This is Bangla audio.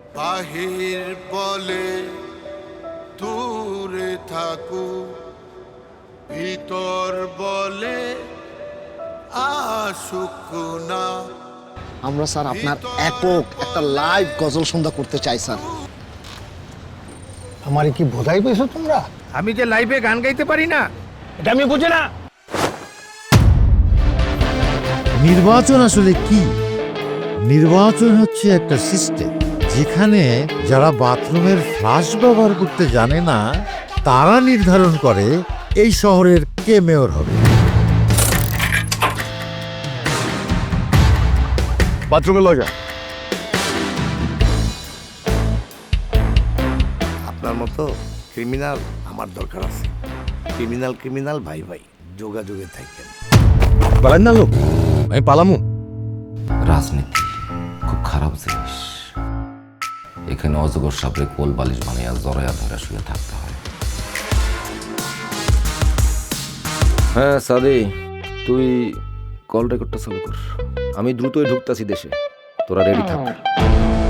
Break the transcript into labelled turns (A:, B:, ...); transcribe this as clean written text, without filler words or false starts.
A: বাহির বলে দূরে থাকু, ভিতর বলে আসুক না।
B: আমরা স্যার আপনার একক একটা লাইভ গজল সন্ধ্যা করতে চাই স্যার।
C: আমারে কি বোঝাই পেয়েছো তোমরা?
D: আমি যে লাইভে গান গাইতে পারি না
C: এটা আমি বুঝি না।
E: নির্বাচন আসলে কি? নির্বাচন হচ্ছে একটা সিস্টেম যেখানে যারা বাথরুমের ফ্লাশ ব্যবহার করতে জানে না তারা নির্ধারণ করে এই শহরের কে মেয়র হবে।
C: বাথরুমে লজা।
F: আপনার মতো ক্রিমিনাল আমার দরকার আছে। ক্রিমিনাল ভাই ভাই যোগাযোগে থাকেন।
C: পালান না লোক, আমি পালামু।
G: রাজনীতি খুব খারাপ জিনিস। এখানে অজগর সাপড়ে কোল বালিশ বানিয়ে জড়াইয়া ধরে শুয়ে থাকতে হয়।
H: হ্যাঁ সাদি, তুই কল রেকর্ডটা চালু কর। আমি দ্রুতই ঢুকতাছি দেশে, তোরা রেডি থাক।